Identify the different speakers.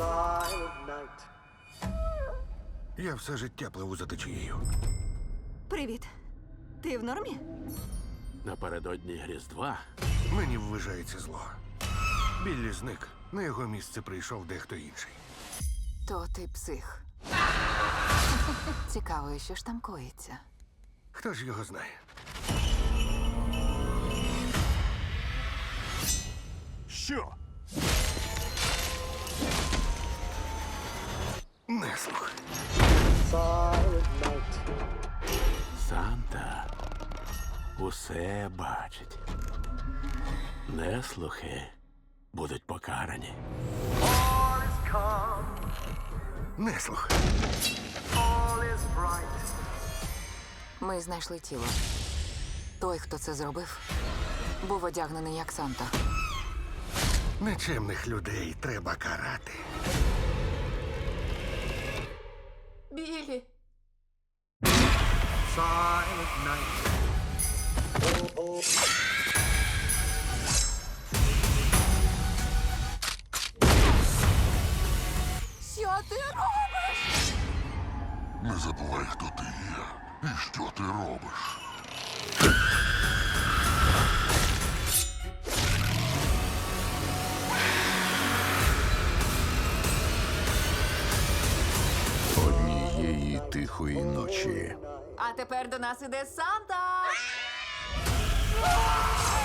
Speaker 1: Silent night.
Speaker 2: Я все життя пливу за течією.
Speaker 3: Привіт. Ти в нормі?
Speaker 4: Напередодні Різдва
Speaker 2: Мені ввижається зло. Біллі зник. На його місце прийшов дехто інший.
Speaker 5: То ти псих. Цікаво, що ж там коїться.
Speaker 2: Хто ж його знає?
Speaker 4: що?
Speaker 2: Неслух.
Speaker 1: Silent night.
Speaker 4: Санта усе бачить. Неслухи будуть покарані.
Speaker 1: All is calm.
Speaker 2: Неслух.
Speaker 1: All is bright.
Speaker 5: Ми знайшли тіло. Той, хто це зробив, був одягнений як Санта.
Speaker 2: Нечемних людей треба карати.
Speaker 5: Білі!
Speaker 1: Silent night.
Speaker 5: Що ти робиш?
Speaker 6: Не забувай, хто ти є і що ти робиш.
Speaker 7: Однієї тихої ночі
Speaker 5: А тепер до нас іде Санта!